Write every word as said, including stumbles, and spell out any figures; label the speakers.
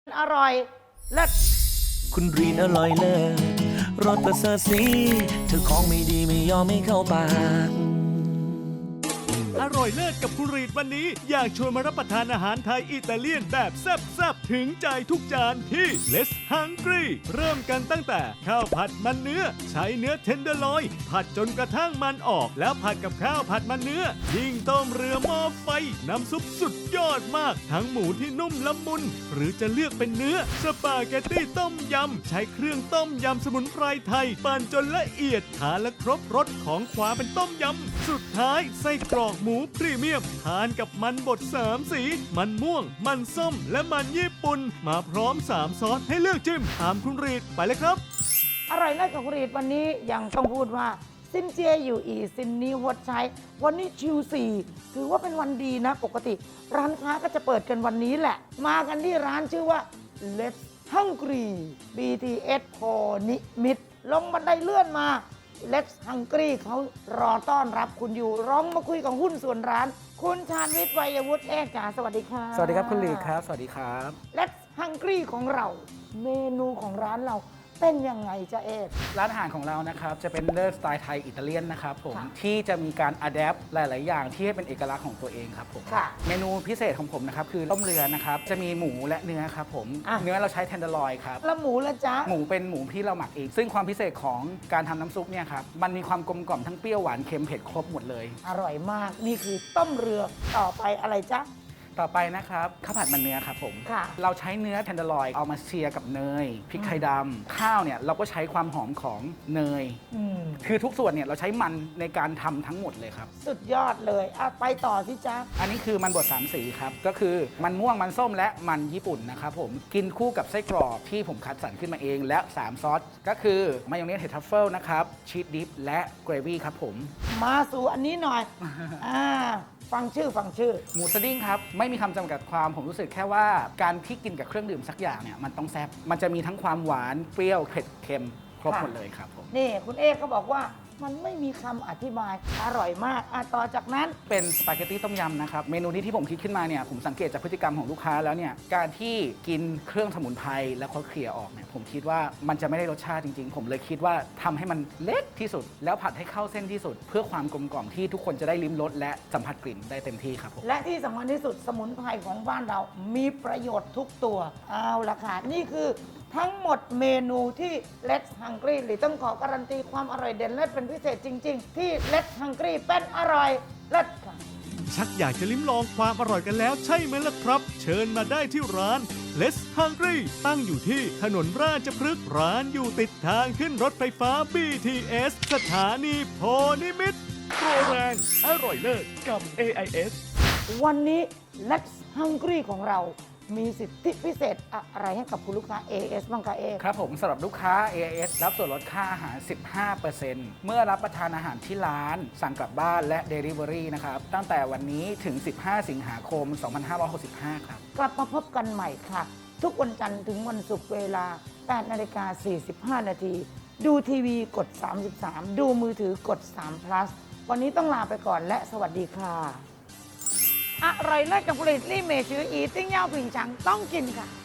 Speaker 1: อร่อยเลิศ
Speaker 2: คุณรีนอร่อยเลิศรสประเสริฐสีเธอของไม่ดีไม่ยอมไม่เข้าปาก
Speaker 3: อร่อยเลิศกับคุณรีดวันนี้อยากชวนมารับประทานอาหารไทยอิตาเลียนแบบแซ่บๆถึงใจทุกจานที่ Less Hungry เริ่มกันตั้งแต่ข้าวผัดมันเนื้อใช้เนื้อเทนเดอร์ลอยผัดจนกระทั่งมันออกแล้วผัดกับข้าวผัดมันเนื้อยิ่งต้มเรือหม้อไฟน้ำซุปสุดยอดมากทั้งหมูที่นุ่มละมุนหรือจะเลือกเป็นเนื้อสปาเกตตี้ต้มยำใช้เครื่องต้มยำสมุนไพรไทยปั่นจนละเอียดทานและครบรสของความเป็นต้มยำสุดท้ายไส้กรอกหมูพรีเมียมทานกับมันบดสามสีมันม่วงมันส้มและมันญี่ปุ่นมาพร้อมสามซอสให้เลือกจิ้มตามคุณรีดไปเลยครับ
Speaker 1: อร่อยเลิศกับคุณรีดวันนี้ยังต้องพูดว่าซินเจียอยู่อีซินนี้หดใช้วันนี้ชิวสี่ถือว่าเป็นวันดีนะปกติร้านค้าก็จะเปิดกันวันนี้แหละมากันที่ร้านชื่อว่า Let's Hungry บี ที เอส โพนิมิตรลงบันไดเลื่อนมา Let's Hungry เขารอต้อนรับคุณอยู่ร้องมาคุยกับหุ้นส่วนร้านคุณชาญวิทย์วัยวุฒิเอกจ๋าสวัสดีค่ะ
Speaker 4: สวัสดีครับคุณลีครับสวัสดีครับ
Speaker 1: Let's Hungry ของเราเมนูของร้านเราเป็นยังไงจ๊ะเอก
Speaker 4: ร้านอาหารของเรานะครับจะเป็นเลิศสไตล์ไทยอิตาเลียนนะครับผม
Speaker 1: ค่ะ
Speaker 4: ที่จะมีการอัดแอปหลาย ๆ อย่างที่ให้เป็นเอกลักษณ์ของตัวเองครับผม
Speaker 1: ค่ะ
Speaker 4: เมนูพิเศษของผมนะครับคือต้มเรือนะครับจะมีหมูและเนื้อครับผม
Speaker 1: อ่ะ
Speaker 4: เนื้อเราใช้เทนเดอร์ลอยครับ
Speaker 1: แล้วหมูละจ๊ะ
Speaker 4: หมูเป็นหมูที่เราหมักเองซึ่งความพิเศษของการทำน้ำซุปเนี่ยครับมันมีความกลมกล่อมทั้งเปรี้ยวหวานเค็มเผ็ดครบหมดเลย
Speaker 1: อร่อยมากนี่คือต้มเรือต่อไปอะไรจ๊ะ
Speaker 4: ต่อไปนะครับข้าวผัดมันเนื้อครับผม
Speaker 1: ค่ะ
Speaker 4: เราใช้เนื้อเทนเดอร์ลอยเอามาเชียร์กับเนยพริกไทยดำข้าวเนี่ยเราก็ใช้ความหอมของเนย
Speaker 1: อืม
Speaker 4: คือทุกส่วนเนี่ยเราใช้มันในการทำทั้งหมดเลยครับ
Speaker 1: สุดยอดเลยอ่ะไปต่อสิจ๊ะ
Speaker 4: อันนี้คือมันบดสามสีครับ ก็คือมันม่วงมันส้มและมันญี่ปุ่นนะครับผมกินคู่กับไส้กรอกที่ผมคัดสรรขึ้นมาเองและสามซอสก็คือมายองเนสเห็ดทัฟเฟิลนะครับชีสดิฟและเกรวี่ครับผม
Speaker 1: มาสู่อันนี้หน่อย อ่าฟังชื่อฟังชื่อ
Speaker 4: หมูสดิ้งครับ ไม่มีคำจำกัดความผมรู้สึกแค่ว่าการที่กินกับเครื่องดื่มสักอย่างเนี่ยมันต้องแซ่บมันจะมีทั้งความหวานเปรี้ยวเผ็ดเค็มครบหมดเลยครับผม
Speaker 1: นี่คุณเอกก็บอกว่ามันไม่มีคำอธิบายอร่อยมากอ่ะต่อจากนั้น
Speaker 4: เป็นสปาเกตตี้ต้มยำนะครับเมนูนี้ที่ผมคิดขึ้นมาเนี่ยผมสังเกตจากพฤติกรรมของลูกค้าแล้วเนี่ยการที่กินเครื่องสมุนไพรแล้วเขาเคลี่ยร์ออกเนี่ยผมคิดว่ามันจะไม่ได้รสชาติจริงๆ ผมเลยคิดว่าทำให้มันเล็กที่สุด แล้วผัดให้เข้าเส้นที่สุด เพื่อความกลมกล่อมที่ทุกคนจะได้ลิ้มรสและสัมผัสกลิ่นได้เต็มที่ครับผม
Speaker 1: และที่สำคัญที่สุดสมุนไพรของบ้านเรามีประโยชน์ทุกตัวเอาละค่ะนี่คือทั้งหมดเมนูที่ Let's Hungry หรือต้องขอการันตีความอร่อยเด่นเลิศเป็นพิเศษจริง ๆ ที่ Let's Hungry เป็นอร่อยเลิศค่ะ
Speaker 3: ชักอยากจะลิ้มลองความอร่อยกันแล้วใช่ไหมล่ะครับ เชิญมาได้ที่ร้าน Less Hungry ตั้งอยู่ที่ถนนราชพฤกษ์ร้านอยู่ติดทางขึ้นรถไฟฟ้า บี ที เอส สถานีโพนิมิตรโปรแรงอร่อยเลิศกับ เอ ไอ เอส
Speaker 1: วันนี้ Let's Hungry ของเรามีสิทธิพิเศษอะไรให้กับคุณลูกค้า เอ เอส บ้างคะเอก
Speaker 4: ครับผมสำหรับลูกค้า เอ เอส รับส่วนลดค่าอาหาร สิบห้าเปอร์เซ็นต์ เมื่อรับประทานอาหารที่ร้านสั่งกลับบ้านและ Delivery นะครับตั้งแต่วันนี้ถึง สิบห้า สิงหาคม สองพันห้าร้อยหกสิบห้า ครับ
Speaker 1: กลับมาพบกันใหม่ค่ะ ทุกวันจันทร์ถึงวันศุกร์เวลา แปดนาฬิกาสี่สิบห้า นาที ดูทีวีกด สามสิบสาม ดูมือถือกด สาม plus วันนี้ต้องลาไปก่อนและสวัสดีค่ะ อร่อยเลิศกับผลิตลี่เมชืออีติ้งเย่าผิงฉังต้องกินค่ะ